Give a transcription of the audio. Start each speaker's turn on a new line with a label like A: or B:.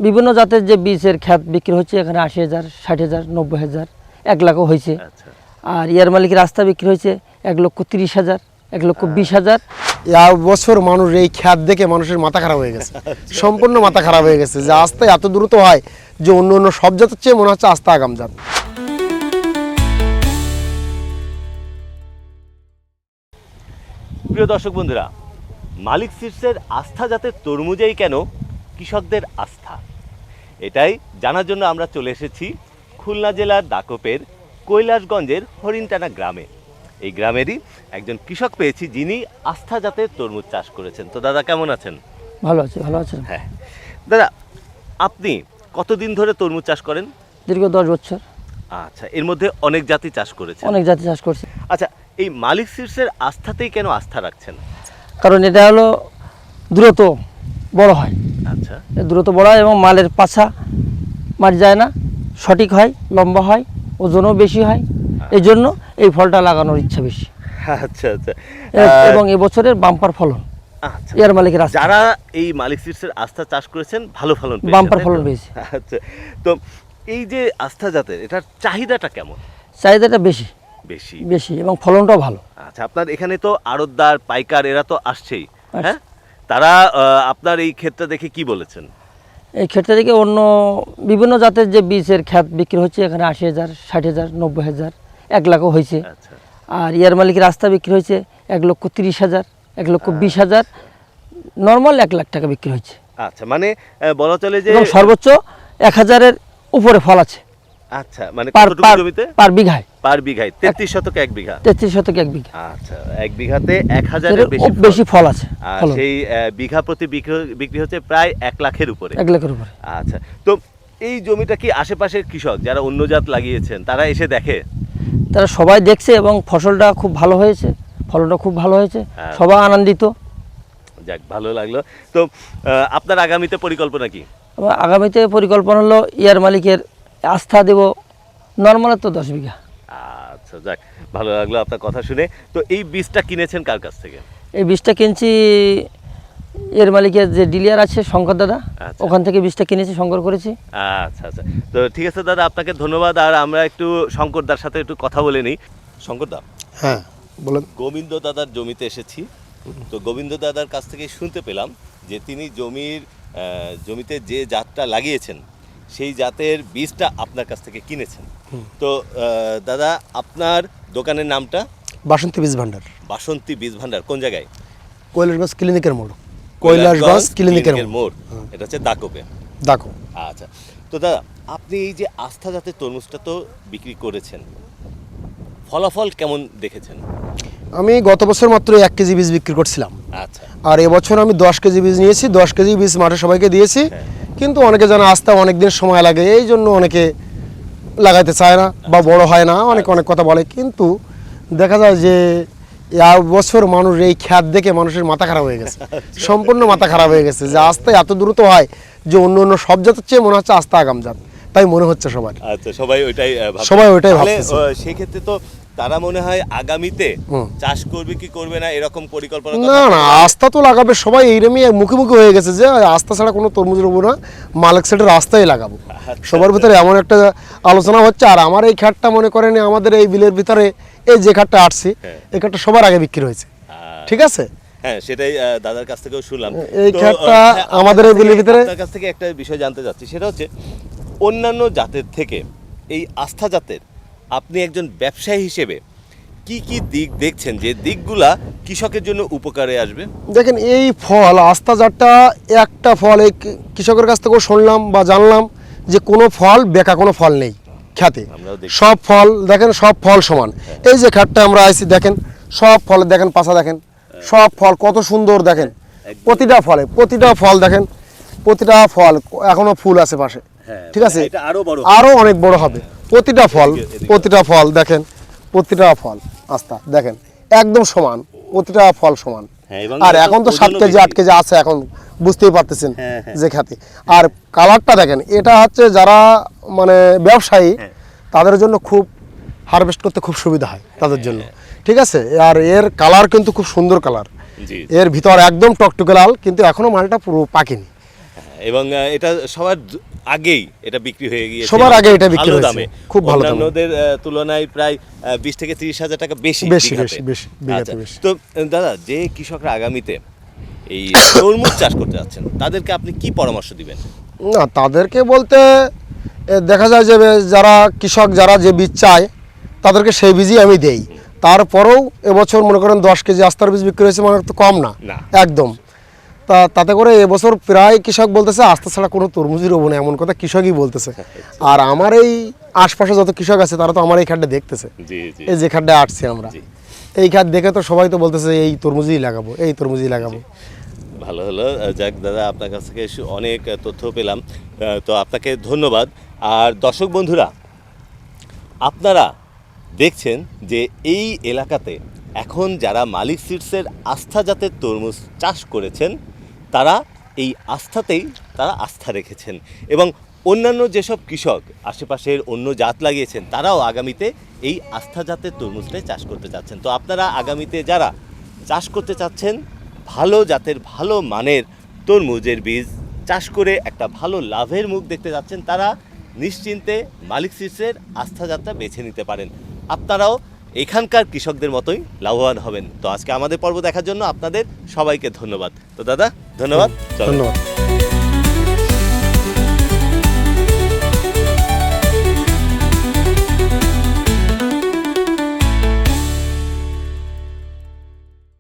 A: বিভিন্ন জাতের যে বীজের খ্যাত বিক্রি হচ্ছে এখানে 80,000, 60,000, 90,000, 1 লাখও হয়েছে। আর ইয়ার মালিকের রাস্তা বিক্রি হয়েছে 1,30,000, 1,20,000।
B: বছর মানুষ এই খ্যাত দেখে মানুষের মাথা খারাপ হয়ে গেছে, সম্পূর্ণ মাথা খারাপ হয়ে গেছে যে আস্তে এত দ্রুত হয় যে অন্য অন্য সব জাতের চেয়ে মনে হচ্ছে আস্তে আগাম জাত।
C: প্রিয় দর্শক বন্ধুরা, মালিক সিডসের আস্থা জাতের তরমুজেই কেন কৃষকদের আস্থা, এটাই জানার জন্য আমরা চলে এসেছি খুলনা জেলার দাকপের কৈলাসগঞ্জের হরিণটানা গ্রামে। এই গ্রামেরই একজন কৃষক পেয়েছি যিনি আস্থা জাতের তরমুজ চাষ করেছেন। তো দাদা কেমন আছেন?
A: ভালো আছে, ভালো আছেন।
C: হ্যাঁ দাদা, আপনি কতদিন ধরে তরমুজ চাষ করেন?
A: দীর্ঘ 10 বছর।
C: আচ্ছা, এর মধ্যে অনেক জাতি চাষ করেছেন?
A: অনেক জাতি চাষ করছি।
C: আচ্ছা, এই মালিক সিডসের আস্থাতেই কেন আস্থা রাখছেন?
A: কারণ এটা হলো দ্রুত বড় হয়।
C: আচ্ছা,
A: দ্রুত বড় হয় এবং মালের পাছা মার যায় না, সঠিক হয়, লম্বা হয়, ওজনও বেশি হয়। এই জন্য এই ফলটা লাগানোর ইচ্ছা বেশি।
C: আচ্ছা আচ্ছা।
A: এবং এবছরের বাম্পার ফলন
C: আচ্ছা,
A: ইয়ার মালিকের আস্থা।
C: যারা এই মালিক সিডসের আস্থা চাষ করেছেন ভালো ফলন পেয়েছেন,
A: বাম্পার
C: তাই তো?
A: ফলন পেয়েছে।
C: আচ্ছা, তো এই যে আস্থা জাতের এটার চাহিদাটা কেমন?
A: চাহিদাটা বেশি
C: বেশি
A: বেশি এবং ফলনটাও ভালো।
C: আচ্ছা, আপনার এখানে তো আড়তদার, পাইকার এরা তো আসছেই,
A: আসছে।
C: হ্যাঁ? তারা আপনার এই ক্ষেত্রে দেখে কি বলেছেন?
A: এই ক্ষেত্রে থেকে অন্য বিভিন্ন জাতের যে বীজের খ্যাত বিক্রি হচ্ছে এখানে 80,000, 60,000, 90,000, 1 লাখও হয়েছে।
C: আচ্ছা,
A: আর ইয়ার মালিকের রাস্তা বিক্রি হয়েছে 1,30,000, 1,20,000, নর্মাল 1 লাখ টাকা বিক্রি হয়েছে।
C: আচ্ছা, মানে বলা চলে যে
A: এবং সর্বোচ্চ 1,000-এর উপরে ফল আছে।
C: আচ্ছা, মানে
A: পার
C: কতটুকু জমিতে?
A: পার বিঘায়।
C: পার বিঘায় 33 শতকে 1 বিঘা।
A: 33 শতকে 1 বিঘা।
C: আচ্ছা, 1 বিঘাতে 1,000-এর
A: বেশি ফল আছে।
C: আর
A: ফলন
C: সেই বিঘা প্রতি বিক্রি হচ্ছে প্রায় 1 লাখের উপরে।
A: 1 লাখের উপরে।
C: আচ্ছা, তো এই জমিটা কি আশেপাশের কৃষক যারা অন্য জাত লাগিয়েছেন তারা এসে দেখে?
A: তারা সবাই দেখছে এবং ফসলটা খুব ভালো হয়েছে, ফলনটা খুব ভালো হয়েছে,
C: হ্যাঁ।
A: সবাই আনন্দিত।
C: যাক, ভালো লাগলো। তো আপনার আগামীতে পরিকল্পনা কি?
A: আমার আগামীতে পরিকল্পনা হলো ইয়ার মালিকের আস্থা দেব নর্মাল তো 10 বিঘা।
C: আচ্ছা, যাক, ভালো লাগলো আপনার কথা শুনে। তো এই বীজটা কিনেছেন কার কাছ থেকে?
A: এই বীজটা কিনছি এর মালিকের যে ডিলার আছে শঙ্কর দাদা,
C: আচ্ছা।
A: ওখান থেকে বীজটা কিনেছি, সংগ্রহ করেছি।
C: আচ্ছা আচ্ছা, তো ঠিক আছে দাদা, আপনাকে ধন্যবাদ। আর আমরা একটু শঙ্করদার সাথে একটু কথা বলে নিই। শঙ্করদা,
B: হ্যাঁ বলেন।
C: গোবিন্দ দাদার জমিতে এসেছি। তো গোবিন্দ দাদার কাছ থেকে শুনতে পেলাম যে তিনি জমিতে যে জাতটা লাগিয়েছেন সেই জাতের বীজটা আপনার কাছ থেকে কিনেছেন। তো দাদা, আপনার দোকানের নামটা?
B: বাসন্তী বীজ ভান্ডার।
C: বাসন্তী বীজ ভান্ডার কোন জায়গায়?
B: কৈলাসগঞ্জ ক্লিনিকের মোড়। কৈলাসগঞ্জ ক্লিনিকের মোড়,
C: এটা হচ্ছে দাকপে।
B: দেখো।
C: আচ্ছা, তো দাদা, আপনি এই যে আস্থা জাতের তরমুজটা তো বিক্রি করেছেন, ফলাফল কেমন দেখেছেন?
B: আমি গত বছর মাত্র 1 কেজি বীজ বিক্রি করছিলাম।
C: আচ্ছা,
B: আর এবছর আমি 10 কেজি বীজ নিয়েছি, 10 কেজি বীজ মাঠে সবাইকে দিয়েছি। কিন্তু অনেকে জানা আসতে অনেক দিন সময় লাগে, এই জন্য অনেকে লাগাইতে চায় না বা বড় হয় না, অনেক কথা বলে। কিন্তু দেখা যায় যে বছর মানুষ এই খ্যাত দেখে মানুষের মাথা খারাপ হয়ে গেছে, সম্পূর্ণ মাথা খারাপ হয়ে গেছে যে আস্তে এত দ্রুত হয় যে অন্য অন্য সব জাতের চেয়ে মনে হচ্ছে আস্তে আগাম জাত, তাই মনে হচ্ছে সবার।
C: আচ্ছা, সবাই ওইটাই
B: ভাবছে।
C: সেই ক্ষেত্রে তো তারা মনে হয় আগামীতে চাষ করবে কি করবে না এরকম পরিকল্পনা?
B: না না, আস্থা তো লাগাবে সবাই, এইরকমই মুখে মুখে হয়ে গেছে যে আস্থা ছাড়া কোনো তরমুজ রবো না, মালিক সেটের রাস্তায় লাগাবো। সবার ভিতরে এমন একটা আলোচনা হচ্ছে। আর আমার এই খাটটা মনে করেন আমাদের এই বিলের ভিতরে এই যে খাটটা আসছে, এই খাটটা সবার আগে বিক্রি হয়েছে, ঠিক আছে?
C: হ্যাঁ, সেটাই দাদার কাছ থেকেও শুনলাম।
B: এই খাটটা আমাদের এই বিলের ভিতরে।
C: আপনার কাছ থেকে একটা বিষয় জানতে চাচ্ছি, সেটা হচ্ছে অন্যান্য জাতের থেকে এই আস্থা জাতের আপনি একজন ব্যবসায়ী হিসেবে কি কি দিক দেখছেন যে দিকগুলা কৃষকের জন্য উপকারে আসবে?
B: দেখেন, এই ফল আস্থা জাতটা একটা ফল, এই কৃষকের কাছ থেকেও শুনলাম বা জানলাম যে কোনো ফল বেকা কোনো ফল নেই খ্যাতে, সব ফল দেখেন, সব ফল সমান। এই যে খাটটা আমরা আইছি দেখেন, সব ফল দেখেন, পাশা দেখেন, সব ফল কত সুন্দর দেখেন, প্রতিটা ফল দেখেন, প্রতিটা ফল এখনো ফুল আছে পাশে, ঠিক আছে? আরো অনেক বড় হবে প্রতিটা ফল দেখেন, প্রতিটা ফল আস্থা দেখেন একদম সমান, প্রতিটা ফল সমান। আর এখন তো 7 কেজি 8 কেজি আছে, এখন বুঝতেই পারতেছেন যে খ্যাতি। আর কালারটা দেখেন, এটা হচ্ছে যারা মানে ব্যবসায়ী তাদের জন্য খুব হারভেস্ট করতে খুব সুবিধা হয় তাদের জন্য, ঠিক আছে? আর এর কালার কিন্তু খুব সুন্দর কালার, এর ভিতর একদম টকটকে লাল, কিন্তু এখনো মালটা পুরো পাকেনি।
C: এবং এটা সবার আগেই এটা বিক্রি হয়ে গিয়েছে
B: সবার আগে এটা বিক্রি
C: ভালো
B: হয়েছে,
C: দামে,
B: খুব ভালো দামে।
C: অন্যান্যদের তুলনায় প্রায় 20 থেকে 30,000 টাকা বেশি
B: বেশি
C: বিঘাতে।
B: বেশি বেশি বিঘাতে
C: আচ্ছা,
B: বেশি।
C: তো দাদা, যে কৃষকরা আগামীতে এই তরমুজ চাষ করতে যাচ্ছেন তাদেরকে আপনি কি পরামর্শ দিবেন?
B: না, তাদেরকে বলতে দেখা যায় যে যারা কৃষক যারা যে বীজ চায় তাদেরকে সেই বীজই আমি দেই। তারপরেও এবছর মনে করেন 10 কেজি আস্থার বীজ বিক্রি হয়েছে, মানে তো কম না
C: না।
B: একদম। তাতে করে এবছর প্রায় কৃষক বলতেছে আস্থা ছাড়া কোনো তরমুজই রোবো না, এমন কথা কৃষকই বলতেছে। আর আমার এই আশপাশে যত কৃষক আছে তারা তো আমার এই খাড্ডা দেখতেছে,
C: জি জি
B: এই যে খাড্ডা আসছি আমরা,
C: জি।
B: এই খাদ দেখে তো সবাই তো বলতেছে এই তরমুজই লাগাবো, এই তরমুজই লাগাবো।
C: ভালো হলো। যাক দাদা, আপনার কাছ থেকে অনেক তথ্য পেলাম, তো আপনাকে ধন্যবাদ। আর দর্শক বন্ধুরা, আপনারা দেখছেন যে এই এলাকাতে এখন যারা মালিক সিডসের আস্থা জাতের তরমুজ চাষ করেছেন তারা এই আস্থাতেই তারা আস্থা রেখেছেন, এবং অন্যান্য যেসব কৃষক আশেপাশের অন্য জাত লাগিয়েছেন তারাও আগামীতে এই আস্থা জাতের তরমুজটাই চাষ করতে চাচ্ছেন। তো আপনারা আগামীতে যারা চাষ করতে চাচ্ছেন ভালো জাতের ভালো মানের তরমুজের বীজ চাষ করে একটা ভালো লাভের মুখ দেখতে যাচ্ছেন, তারা নিশ্চিন্তে মালিক সিডসের আস্থা জাতটা বেছে নিতে পারেন। আপনারাও এখানকার কৃষকদের মতোই লাভবান হবেন। তো আজকে আমাদের পর্ব দেখার জন্য আপনাদের সবাইকে ধন্যবাদ। তো দাদা, ধন্যবাদ। চলো।
B: ধন্যবাদ।